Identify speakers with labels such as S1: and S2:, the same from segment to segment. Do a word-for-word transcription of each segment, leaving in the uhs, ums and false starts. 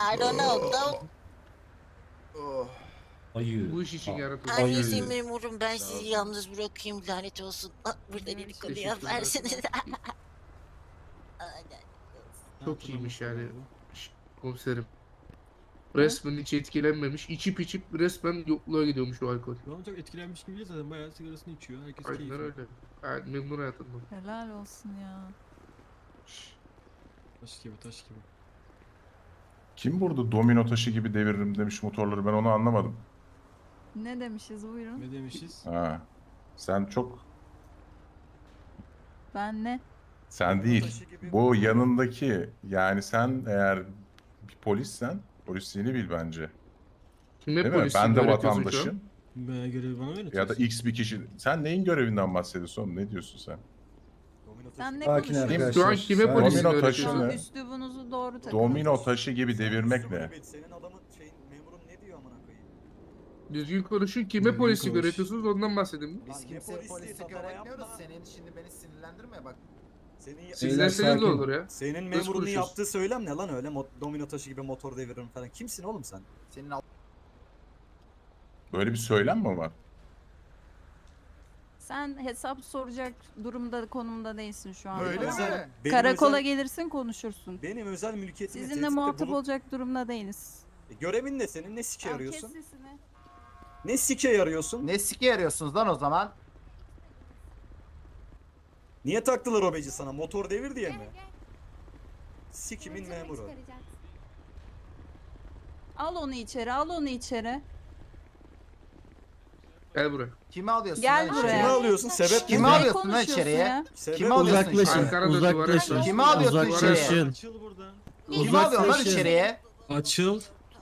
S1: I don't know. Don't.
S2: Ayı.
S3: Bu iş için yaratıldı.
S1: Annesi memurum, ben sizi yalnız bırakayım, lanet olsun. Ah, burada dedikodu yaparsınız.
S3: Çok iyiymiş yani. Şş, Komiserim. Resmen hiç etkilenmemiş. İçip içip resmen yokluğa gidiyormuş o alkol.
S4: Şu an çok etkilenmiş gibi değil zaten bayağı sigarasını içiyor. Herkes
S3: Aynen
S4: keyifli.
S3: öyle. Gayet memnun hayatından.
S5: Helal olsun ya.
S4: Taş gibi taş gibi.
S6: Kim burada domino taşı gibi deviririm demiş motorları, ben onu anlamadım.
S5: Ne demişiz buyurun.
S4: Ne demişiz?
S6: Ha. Sen çok,
S5: Ben ne?
S6: sen değil. Bu yanındaki, yani sen eğer bir polissen polisliğini bil bence.
S3: Kime
S6: Değil mi?
S3: polisliğini
S6: Ben de
S3: öğretiyorsun şu an?
S6: vatandaşım.
S4: Bayağı görevi bana öğretiyorsun.
S6: Ya da X bir kişi. Sen neyin görevinden bahsediyorsun oğlum? Ne diyorsun sen?
S5: Sen ne
S2: Sakin
S5: konuşuyorsun?
S2: arkadaşlar.
S3: Şu an kime
S2: sakin.
S3: polisliğini
S6: Domino
S3: öğretiyorsun?
S6: taşını-
S5: Üslubunuzu doğru takın.
S6: Domino taşı gibi devirmek ne?
S7: Senin adamın şeyin memurun ne diyor amına koyayım?
S3: Düzgün konuşun. Kime
S4: Düzgün
S3: polislik
S4: konuş.
S3: öğretiyorsunuz ondan bahsedin.
S7: Lan
S8: Biz
S7: ne
S8: kimseye
S7: polisliği
S8: polislik
S7: tatava
S8: öğretmiyoruz.
S7: yapma.
S8: Senin şimdi beni sinirlendirme bak.
S7: Senin
S3: Siz
S2: Beyler,
S3: deseniz de
S2: sakin.
S3: olur ya.
S7: senin
S3: Nasıl
S7: memurunun
S3: konuşuyorsun?
S7: yaptığı söylem ne lan öyle Mo- domino taşı gibi motor deviririm falan. Kimsin oğlum sen?
S8: Senin al-
S6: Böyle bir söylem mi var?
S5: Sen hesap soracak durumda, konumda değilsin şu an.
S8: Öyle
S5: Tamam.
S8: mi?
S7: Benim
S5: Karakola
S7: özel,
S5: gelirsin, konuşursun.
S7: benim özel mülkiyetime
S5: Sizinle
S7: tehditte
S5: muhatap
S7: bulup-
S5: olacak durumda değiliz.
S7: E, görevin ne senin? Ne sike
S5: Tamam, kes
S7: yarıyorsun?
S5: sesini.
S7: Ne sike yarıyorsun?
S8: Ne sike yarıyorsunuz lan o zaman?
S7: Niye taktılar o beci sana? Motor devir diye mi? Sikimin memuru.
S5: Al onu içeri, al onu içeri.
S3: Gel buraya.
S8: Kimi alıyorsun
S5: Gel
S8: lan
S5: buraya.
S8: içeriye?
S7: Kimi alıyorsun? Sebep
S8: Kimi
S7: ne?
S5: Ne
S8: alıyorsun lan
S5: konuşuyorsun
S8: içeriye?
S5: ya?
S7: Sebep
S8: Kimi
S7: ne?
S8: alıyorsun
S3: Uzaklaşın.
S8: içeriye?
S3: Arkana dön, duvara
S2: Uzaklaşın.
S3: yaslan.
S8: Kimi alıyorsun
S3: Duvara
S8: içeriye?
S3: yaslan.
S4: Açıl buradan.
S8: Kimi alıyorsun lan içeriye?
S4: Açıl.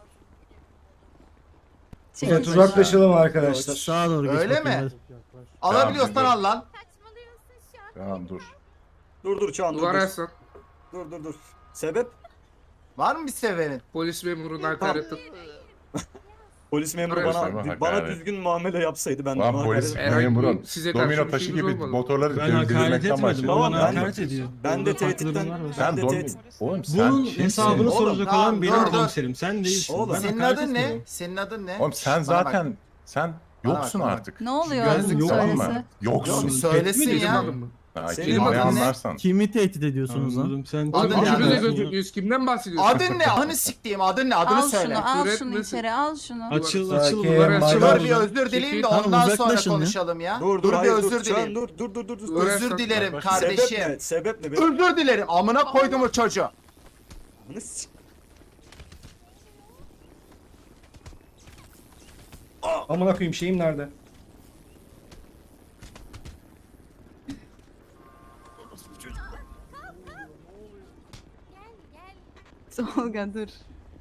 S5: Çekil.
S2: Evet, uzaklaşalım arkadaşlar.
S4: Sağa doğru geç
S8: Öyle
S4: bakayım,
S8: mi?
S4: hadi.
S8: Alabiliyorsan
S6: Tamam,
S8: al lan.
S6: Tamam dur.
S7: Dur dur Çağan dur
S3: Duvara
S7: dur.
S3: yaslan.
S7: Dur dur dur. Sebep?
S8: Var mı bir sebebin?
S3: Polis memuruna hakaret et.
S7: Polis memuru
S3: Araya
S7: bana
S6: sorma,
S7: bana
S6: hakaret.
S7: düzgün muamele yapsaydı ben de
S6: Lan
S7: ona
S6: polis
S7: hakaret-
S3: Herhangi bir
S6: memurun
S3: size karşı
S6: domino
S3: bir
S6: taşı
S3: şeyimiz
S6: gibi
S3: olmadı.
S6: motorları
S4: Ben hakaret
S6: devirmekten
S4: etmedim. O
S6: bahsediyorum.
S7: Tamam,
S4: bana
S7: ben-
S4: hakaret ediyor.
S7: ben de
S4: Orada farklı
S7: tehditten-
S4: durumlar var.
S7: ben
S6: Sen
S7: de
S6: domino...
S7: tehdit-
S6: Oğlum sen
S4: Bunun
S6: kimsin?
S4: hesabını
S8: Oğlum,
S4: soracak
S8: tamam,
S4: olan benim
S8: dur, dur.
S4: komiserim. Sen değilsin.
S7: Oğlum,
S4: Ben
S8: Senin
S4: hakaret
S8: adın ne?
S4: etmiyorum.
S8: Senin adın ne?
S6: Oğlum sen
S8: Şşş, bana bak.
S6: zaten sen
S8: Bana bak,
S6: yoksun
S8: bana bak.
S6: artık.
S5: Ne oluyor?
S4: Ben yok
S6: Tamam
S5: Söylese.
S6: mı? Yoksun.
S8: Yok, söylesin
S3: Dedim
S8: ya.
S3: oğlum mu?
S6: Ha,
S7: Senin
S6: kelimeyi
S8: adın ne?
S6: anlarsan.
S9: Kimi tehdit ediyorsunuz lan?
S4: Anladım, sen...
S8: Adın
S3: Oğlum
S8: ne?
S3: üçümüz de
S8: Adın-
S3: gözükmüyoruz. Kimden bahsediyorsun?
S8: Adın ne? Adını siktiğim adın ne? Adını
S5: Al
S8: söyle.
S5: şunu, al
S3: Küfür
S5: şunu
S3: etmesin.
S5: içeri, al şunu.
S4: Açıl
S2: Sakin,
S4: açıl.
S3: Duvara
S2: Maydanoz.
S3: yaslan.
S8: Dur bir özür dileyim de
S3: Tamam,
S8: ondan sonra
S9: uzaklaşın ya.
S8: konuşalım ya.
S7: Dur dur
S8: Dur bir
S7: hayır,
S8: özür
S7: dur Çağan,
S8: dileyim.
S7: dur dur dur dur. dur.
S3: Duvara
S8: Özür
S3: yaslan.
S8: dilerim
S6: Bak,
S7: Sebep
S8: kardeşim.
S7: ne? Sebep ne? Benim...
S8: Özür dilerim. Amına koydum o çocuğu.
S7: Bunu sik-
S2: Amına koyayım, şeyim nerede?
S5: Tolga dur.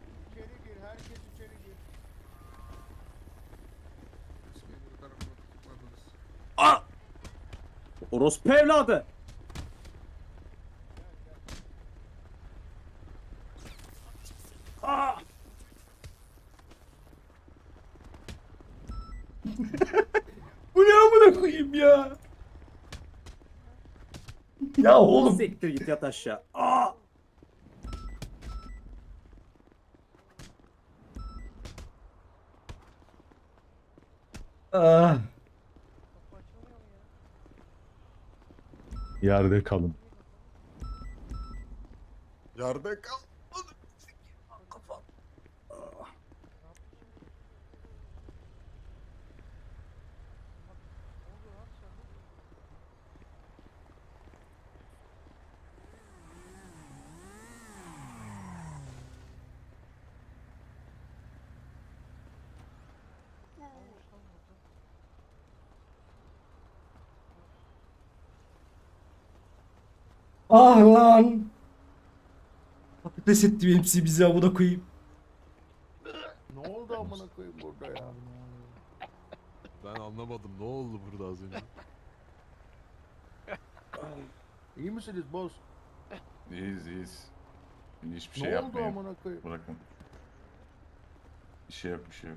S10: Orospu evladı.
S2: Bu ne amına koyayım ya? Ya oğlum.
S10: Siktir git yat aşağı. Aa!
S2: Ah.
S6: Yerde kalın.
S7: Yerde kal.
S2: Ah lan. Patates etti hepsi bizi amına koyayım.
S11: Ne oldu amına koyayım burada ya?
S12: Ben anlamadım ne oldu burada az önce.
S11: İyi misiniz boss?
S6: İyiyiz iyiyiz. Hiçbir şey
S11: Ne oldu
S6: yapmayın.
S11: amına koyayım?
S6: Bırakın. Bir şey yok bir şey yok.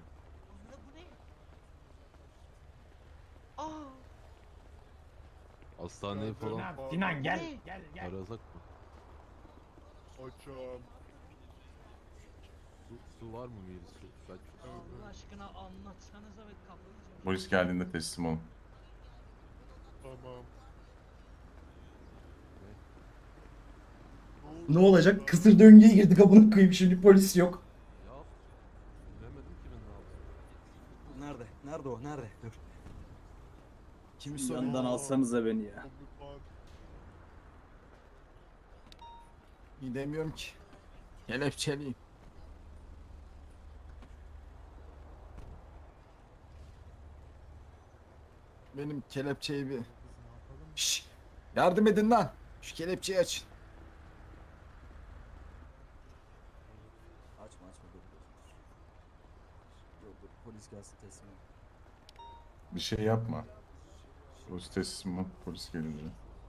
S12: Hastaneye falan
S10: Sinan gel. Gel gel.
S12: arasak mı?
S11: Açım.
S12: Su, su var mı Miri? Su. Ben...
S10: Allah aşkına anlatsanıza ve kapıyı.
S6: Polis geldiğinde teslim olun.
S11: Tamam.
S2: Ne olacak? Kısır döngüye girdik amına koyayım şimdi polis yok.
S12: Ya bilemedim ki ben ne yaptım.
S7: Nerede? Nerede o? Nerede? Dur.
S10: Kimi yandan alsanıza beni ya.
S8: Gidemiyorum ki. Kelepçeliyim. Benim kelepçeyi bir... Şşş! Yardım edin lan! Şu kelepçeyi açın.
S7: Açma açma dur. Dur dur polis gelsin teslim ol.
S6: Bir şey yapma. Polis teslim ol. Polis gelince.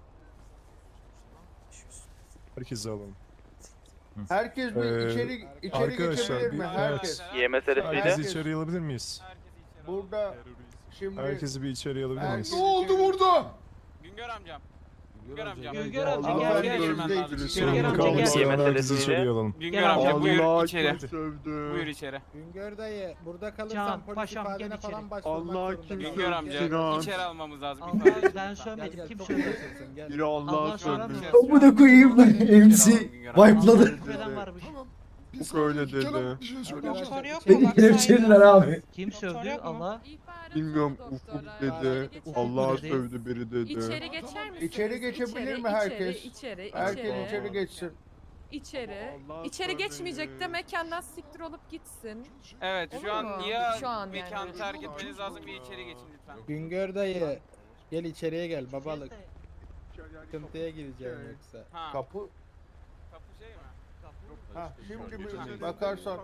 S11: Herkesi alalım.
S8: Herkes bir
S11: Ee,
S8: içeri içeri
S11: arkadaşlar,
S8: geçebilir
S11: bir-
S8: mi? Herkes.
S11: Herkesi içeriye alabilir miyiz?
S8: Burada şimdi...
S11: Herkesi bir içeriye alabilir miyiz?
S8: Ne oldu burada?
S9: Güngör amcam.
S12: Güngör amca.
S9: Güngör
S8: Allah
S9: amcam gel gel
S8: gözdeydiniz.
S9: girmem lazım.
S11: Sorun
S9: Güngör amca
S11: kalmasa
S9: gel.
S11: herkesi içeriye alalım.
S9: Güngör amca buyur içeri.
S11: sövdü.
S9: Buyur içeri.
S10: Güngör dayı burada kalırsan polis ifadene falan başvurmak
S11: Allah
S10: zorunda.
S11: kim
S9: Güngör amca
S11: Sinan.
S9: içeri almamız lazım.
S10: Allah ben söylemedim kim söyledi?
S11: Biri Allah
S10: Allah
S11: sövdü.
S10: sövdü.
S2: Amına koyayım lan M C wipe'ladı.
S10: Küfreden varmış.
S11: Bu öyle dedi.
S10: Doktor yok
S2: Beni kelepçelediler abi.
S10: Kim sövdü? Allah.
S11: Bilmiyorum Ufuk dedi. Allah sövdü biri dedi.
S5: İçeri geçer misiniz?
S8: İçeri geçebilir mi herkes?
S5: İçeri,
S8: Herkes içeri geçsin.
S5: İçeri.
S11: Allah
S5: İçeri
S11: sövdü.
S5: geçmeyecek de mekandan siktir olup gitsin.
S9: Evet
S5: Olur
S9: şu an
S5: mu?
S9: niye
S5: Şu an yani.
S9: mekanı terk etmeniz lazım, bir içeri geçin lütfen.
S10: Güngör dayı gel içeriye gel babalık. Sıkıntıya gireceğim yoksa.
S9: Ha.
S8: Kapı.
S9: Kapı şey mi?
S8: Ha şimdi bir bakarsan.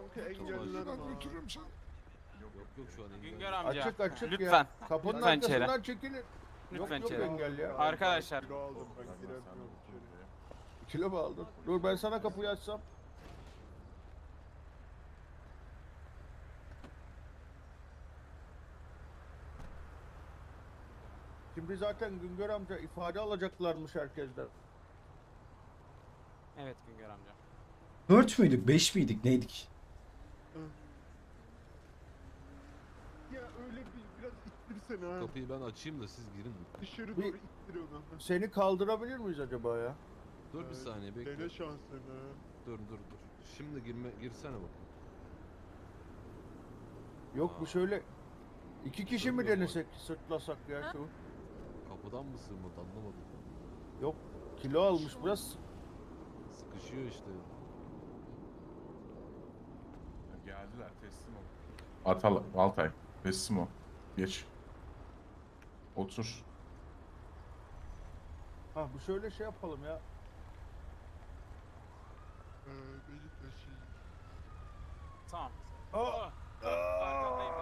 S12: Yok yok şu an engel.
S9: Güngör amca.
S8: Açık açık
S9: Lütfen.
S8: ya. Kapının
S9: Lütfen içeri.
S8: arkasından çekilir.
S9: Lütfen
S8: yok,
S9: içeri.
S8: Yok engel ya.
S9: Arkadaşlar.
S11: Kilo aldım ben giremiyorum içeri.
S8: Kilo mu aldın? Dur ben sana kapıyı açsam. Şimdi zaten Güngör amca ifade alacaklarmış herkesten.
S9: Evet Güngör amca.
S2: Dört müydük? Beş miydik? Neydik?
S11: Ya öyle bir biraz ittirsene ha.
S12: Kapıyı ben açayım da siz girin.
S11: Dışarı
S8: Bir-
S11: doğru ittir onu.
S8: Seni kaldırabilir miyiz acaba ya?
S12: Dur bir saniye bekle.
S11: Dene şansını.
S12: Dur dur dur. Şimdi girme girsene bakayım.
S8: Yok bu şöyle iki kişi mi denesek sırtlasak ya şu?
S12: Kapıdan mı sığmadı anlamadım.
S8: Yok kilo almış biraz.
S12: Sıkışıyor işte.
S6: Geldiler teslim ol. Atal Altay teslim ol. Geç. Otur.
S8: Ha bu şöyle şey yapalım ya.
S11: Ee, beni taşıyın.
S9: Tamam.
S8: Aa!
S9: Arkandayım.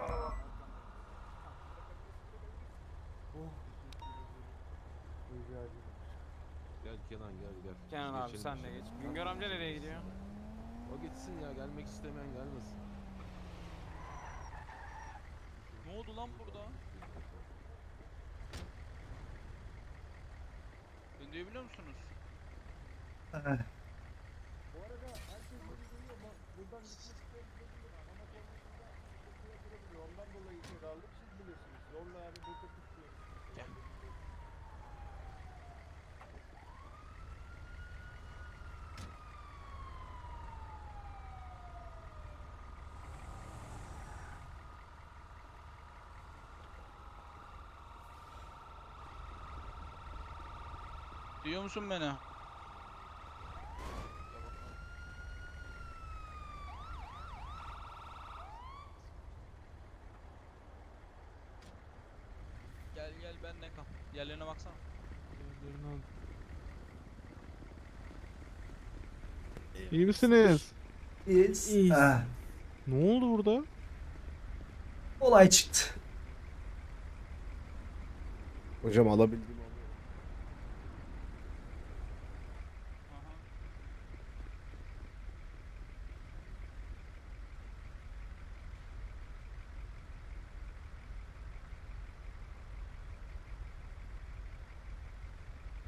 S12: Gel Kenan gel gel.
S9: Kenan abi
S12: Geçelim
S9: sen de
S12: şimdi.
S9: geç. Güngör amca nereye gidiyor?
S12: O gitsin ya gelmek istemeyen gelmesin.
S9: Ne oldu lan burada? Beni duyabiliyor musunuz?
S8: Bu arada herkes beni duyuyor mu? Buradan gitmek isteyen gidebilir. Ama konusunda sıkıntıya girebiliyor. Ondan dolayı içeri aldık. Siz bilirsiniz. Zorla yani burada tutuyor.
S9: Duyuyor musun beni? Gel gel benle kal. Yerlerine baksana.
S11: İyi misiniz?
S2: Yes. Ah,
S11: Ne oldu burada?
S2: olay çıktı.
S11: Hocam alabildim.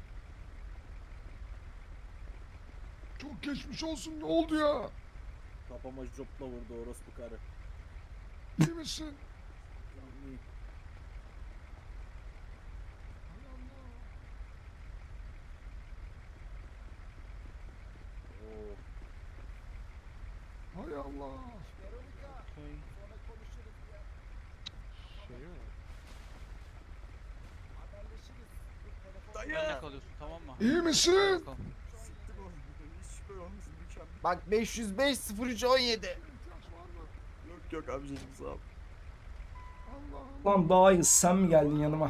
S6: Çok geçmiş olsun ne oldu ya?
S8: Kafama jopla vurdu orospu karı.
S11: İyi misin?
S8: Oo.
S11: Hay Allah.
S9: Benle kalıyorsun tamam mı?
S11: İyi misin?
S9: Bakalım.
S7: Siktir oğlum. Hiç böyle olmasın mükemmel.
S10: Bak beş yüz beş sıfır üç on yedi.
S7: Yok yok amcacım sağ ol.
S2: Lan Bağız sen mi geldin yanıma?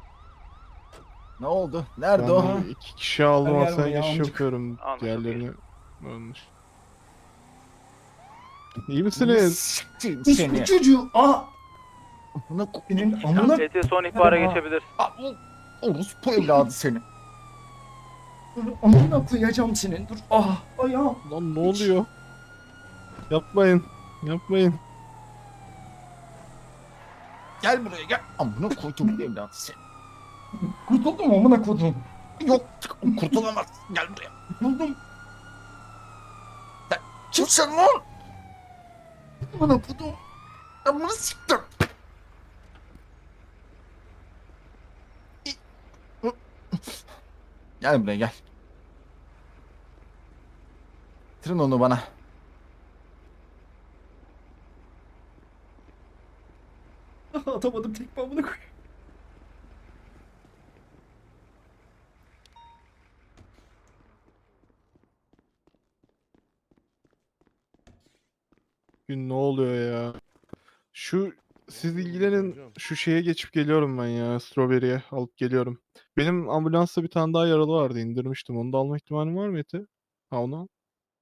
S10: Ne oldu? Nerede o?
S2: Ben
S11: iki kişi aldım
S2: Gel
S11: hastaneye
S2: buraya,
S11: geçiş
S2: amcık.
S11: yapıyorum.
S9: Anladım,
S11: Diğerlerini ölmüş. İyi misiniz?
S10: Siktir
S2: Bu
S10: seni.
S2: çocuğu aa
S10: Amına ko-
S2: senin amına
S9: E T son ihbara
S2: Hadi,
S9: geçebilir.
S10: Aa, orospu evladı seni.
S2: amına koyacağım senin. Dur ah ayağım.
S11: Lan ne oluyor? Yapmayın. Yapmayın.
S10: Gel buraya gel. Amına koydum evladı seni.
S2: Kurtuldum amına koydum.
S10: Yok kurtulamazsın. Gel buraya.
S2: Kurtuldum.
S10: Kimsin lan? Amına koydum. Amına siktir. Gel buraya gel. Getirin onu bana.
S2: Atamadım tekme amına koy.
S11: Gün ne oluyor ya? Şu siz ilgilenin, şu şeye geçip geliyorum ben ya, Strawberry'e alıp geliyorum. Benim ambulansta bir tane daha yaralı vardı, indirmiştim. Onu da alma ihtimalim var mı Ete? Ha onu al.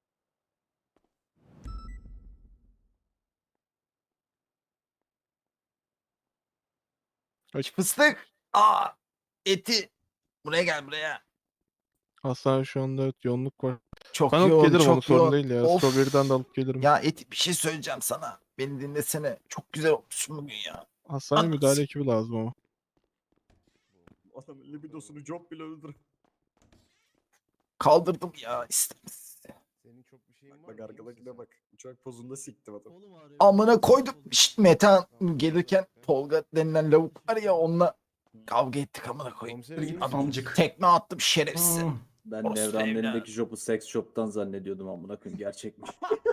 S11: Kaç
S10: Fıstık. Aa, eti. Buraya gel buraya.
S11: hastane şu anda, evet, yoğunluk var.
S10: Çok
S11: Ben alıp
S10: yoğun,
S11: gelirim, onu
S10: çok
S11: sorun
S10: yoğun.
S11: değil ya.
S10: Of.
S11: Strawberry'den de alıp gelirim.
S10: Ya eti bir şey söyleyeceğim sana. Beni dinlesene. Çok güzel olmuşsun bugün ya.
S11: Hastane
S10: Anlatsın.
S11: müdahale ekibi lazım ama.
S7: Adamın libidosunu job bile öldür.
S10: Kaldırdım ya istemez.
S11: Senin çok bir şeyin
S7: Bak arkadakine bak. Uçak pozunda siktim adam.
S10: Amına koydum. Şşt Metehan gelirken Tolga denilen lavuk var ya onunla kavga ettik amına koyayım.
S2: Git amcık.
S10: Tekme attım şerefsiz.
S2: Hmm.
S8: Ben
S10: Orospu
S8: Nevran'ın
S10: evladı.
S8: elindeki jobu seks shop'tan zannediyordum amına koyayım gerçekmiş.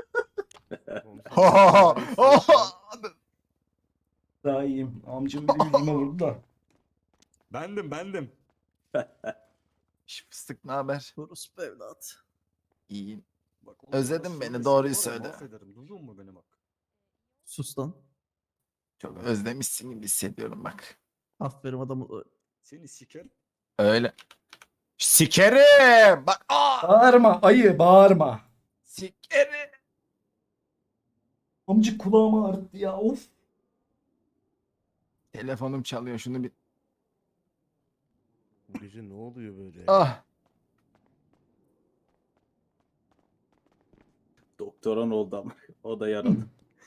S2: Daha iyiyim. Amcım bir de yüzüme vurdu da.
S7: Bendim bendim.
S10: Şş, Fıstık ne haber?
S8: Orospu evlat.
S10: İyiyim.
S7: Bak,
S10: Özledin
S7: ondan
S10: beni,
S7: sonra
S10: doğruyu
S7: seni var ya,
S10: söyle.
S7: Mahvederim. Duydun mu beni bak?
S8: Sus lan.
S10: Çok özlemişsin gibi hissediyorum bak.
S8: Aferin adamı.
S7: Seni siker.
S10: Öyle. Sikerim. Bak aa.
S2: Bağırma ayı bağırma.
S10: Sikerim.
S2: Amcık kulağımı ağrıttı ya of.
S10: Telefonum çalıyor şunu bir.
S12: Bu gece ne oluyor böyle?
S10: Ah.
S8: Doktoran oldu ama. O da yaradı.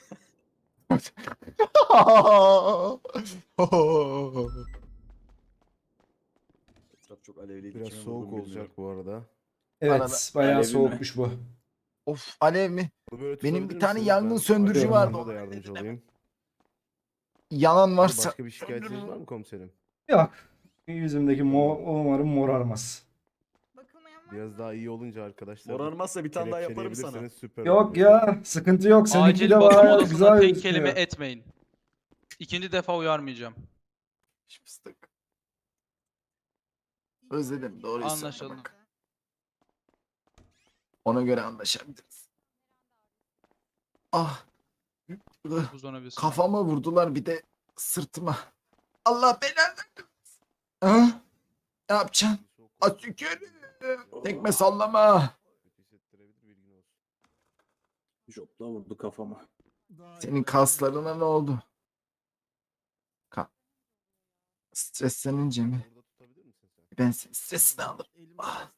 S7: Etraf çok alevliydi.
S12: Biraz
S7: kime
S12: soğuk
S7: vurdum
S12: olacak
S7: bilmiyorum.
S12: bu arada.
S2: Evet
S10: Arada-
S2: bayağı
S8: Alevi mi?
S2: soğukmuş bu.
S10: Of alev mi?
S12: Bunu böyle
S10: Benim
S12: tutabilir
S10: bir tane
S12: misiniz?
S10: yangın
S12: Ben
S10: söndürücü
S12: arka
S2: vardı,
S12: tarafta da
S10: onu
S12: yardımcı
S10: halledelim.
S12: olayım.
S10: Yanan varsa.
S12: Başka bir şikayetiniz var mı komiserim?
S2: Yok. Yüzümdeki mo umarım morarmaz.
S12: Biraz daha iyi olunca arkadaşlar.
S7: Morarmazsa bir tane daha yaparım sana.
S12: kelepçeleyebilirseniz süper
S2: Yok
S12: olur.
S2: ya sıkıntı yok. Seninki
S9: Acil
S2: de
S9: bakım
S2: var
S9: odasına
S2: güzel
S9: tek
S2: gözüküyor.
S9: kelime etmeyin. İkinci defa uyarmayacağım.
S10: Şş, Fıstık. Özledim doğruyu söyle
S9: Anlaşıldı.
S10: bak. Ona göre anlaşabiliriz. Ah. Ih,
S9: Buzdolabı.
S10: Kafama vurdular bir de sırtıma. Allah belanı versin. Ha? Ne yapacaksın? Atükürüm. Tekme sallama.
S12: Kötü hissettirebilir, bilgin olsun.
S8: Jopla vurdu kafama.
S10: Senin kaslarına ne oldu? Ka Streslenince mi?
S12: Burada tutabilir misin sen?
S10: Ben senin stresini alırım. Ah.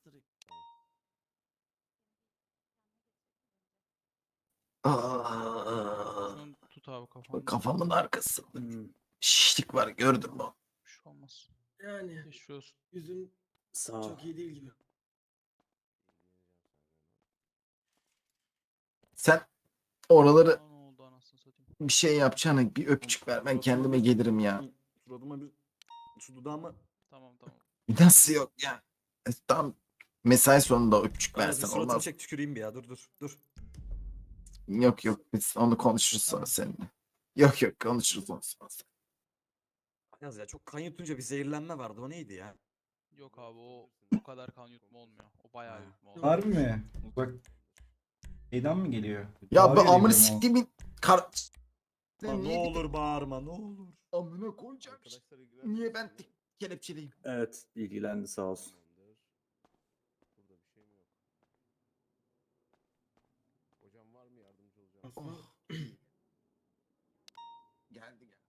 S10: Ah.
S9: Şunu tut abi kafamı.
S10: Kafamın arkasında
S8: Hmm.
S10: şişlik var gördün mü?
S9: Bir şey olmaz.
S4: Yani
S9: Geçmiş olsun.
S4: yüzün
S8: Sağ ol.
S4: çok iyi değil gibi.
S10: Sen Oraları
S9: Ne oldu anasını satayım.
S10: bir şey yapacağına bir öpücük ver. Ben kendime gelirim ya.
S7: Suratıma bir şu dudağıma
S9: Tamam tamam.
S10: Nasıl yok ya? E, Tam mesai sonunda öpücük
S7: Ayaz, bir
S10: versen
S7: suratını
S10: olmaz.
S7: çek tüküreyim bir ya. Dur dur dur.
S10: Yok yok biz onu konuşuruz sonra seninle. Yok yok konuşuruz onu sonra.
S7: Yaz ya çok kan yutunca bir zehirlenme vardı. O neydi ya?
S9: Yok abi o o kadar kan yutma olmuyor. O bayağı yutma oluyor.
S2: Harbi mi? Bak. Şeyden mi geliyor?
S10: Ya bu
S2: Bağırıyor diye
S10: amını
S2: biliyorum o.
S10: siktiğimin kar...
S7: Lan
S10: Sen
S7: ne
S10: niye
S7: olur bağırma ne olur.
S10: amına koyacağım. Niye ben tek kelepçeliyim?
S7: Evet ilgilendi sağ olsun.
S12: Hocam var mı yardımcı olacağım?
S10: Oh. Geldi geldi.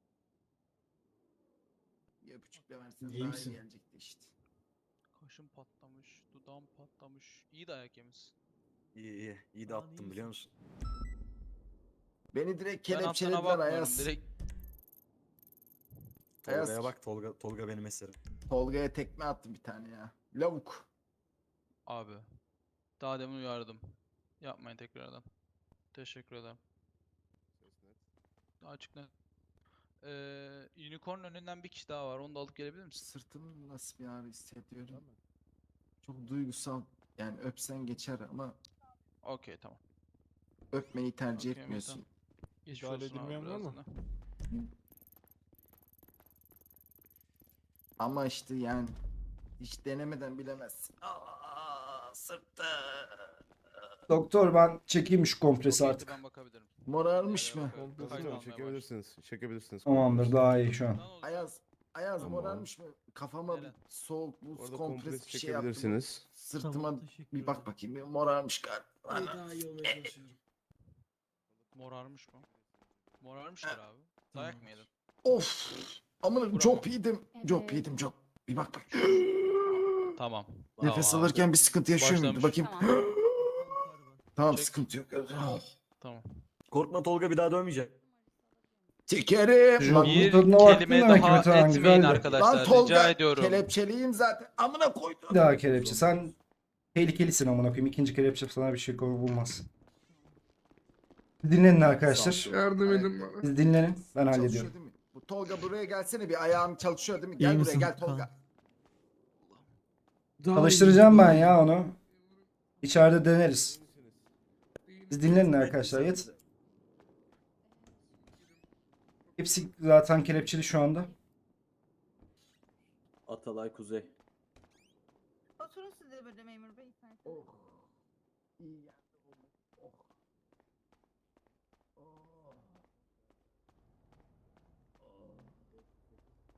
S10: Bir öpücükle versen
S2: İyi
S10: daha
S2: misin?
S10: iyi gelecekti işte.
S9: Kaşım patlamış, dudağım patlamış. İyi dayak yemişsin.
S7: İyi iyi. İyi de
S9: Aa,
S7: attım
S9: iyi
S7: biliyor musun?
S10: Beni direkt
S9: Ben hattına
S10: kelepçelediler
S9: bakmıyorum.
S10: Ayaz.
S9: Direkt
S10: Ayaz.
S7: Tolga'ya bak Tolga, Tolga benim eserim.
S10: Tolga'ya tekme attım bir tane ya. Lavuk.
S9: abi. Daha demin uyardım. Yapmayın tekrardan. Teşekkür ederim. Açık net. Ee, unicorn önünden bir kişi daha var. Onu da alıp gelebilir misin?
S10: Sırtımı nasıl bir ağrı hissediyorum. Çok duygusal. Yani öpsen geçer ama
S9: Okey tamam.
S10: öpmeyi tercih
S9: Okey,
S10: etmiyorsun.
S9: Metan. Geçmiş
S11: Müdahale
S9: olsun abi
S11: edilmeyen var mı?
S9: birazdan.
S10: Ama işte yani hiç denemeden bilemezsin. Aa, sırtı.
S2: Doktor ben çekeyim şu kompresi
S9: Okey,
S2: artık.
S9: ben bakabilirim.
S10: Morarmış mı?
S9: Diğerlere bakarım.
S11: Kompresi
S9: Kayıt
S11: mi?
S9: almaya başladım.
S12: Çekebilirsiniz. Çekebilirsiniz.
S2: Tamamdır daha iyi şu an.
S9: Lan oğlum,
S10: Ayaz. Ayaz
S12: Tamam.
S10: morarmış mı? Kafama bir
S9: Neren?
S10: soğuk buz
S12: Orada
S10: kompres
S12: kompres
S10: bir şey yaptım.
S12: çekebilirsiniz.
S10: Sırtıma bir bak bakayım. Bir morarmış galiba. Ana.
S9: Morarmış mı? Morarmıştır abi. Dayak mı yedin?
S10: Of. Amına
S9: Bravo.
S10: çok yedim. Çok yedim çok. Bir bak bak.
S9: Tamam.
S10: Nefes
S9: Tamam abi.
S10: alırken bir sıkıntı yaşıyor muydu?
S9: Başlamış.
S10: Bakayım. Tamam
S9: Çek.
S10: sıkıntı yok.
S9: Tamam.
S7: Korkma Tolga bir daha dövmeyecek.
S10: Çekerim.
S2: Bak,
S9: Bir
S2: bu tadına baktın
S9: kelime
S2: demek ki
S9: daha
S2: Metehan,
S9: etmeyin
S2: güzeldi.
S9: arkadaşlar.
S10: Lan Tolga
S9: Rica ediyorum.
S10: kelepçeliyim zaten. Amına koydum.
S2: Bir daha kelepçe. Sen tehlikelisin amına koyayım. İkinci kelepçe sana bir şey konu bulmaz. Dinlenin arkadaşlar.
S3: Yardım edin bana.
S2: Siz dinlenin. Ben
S10: Çalışıyor
S2: hallediyorum.
S10: değil mi? Bu Tolga buraya gelsene bir ayağım çalışıyor değil mi?
S4: İyi
S10: Gel buraya
S4: misin?
S10: gel Tolga.
S2: Çalıştıracağım ben ya onu. İçeride deneriz. Siz dinlenin arkadaşlar. Yet. Hepsi zaten kelepçeli şu anda.
S7: Atalay Kuzey.
S5: Oturun siz de böyle memur bey.
S10: Oh. İyi ya.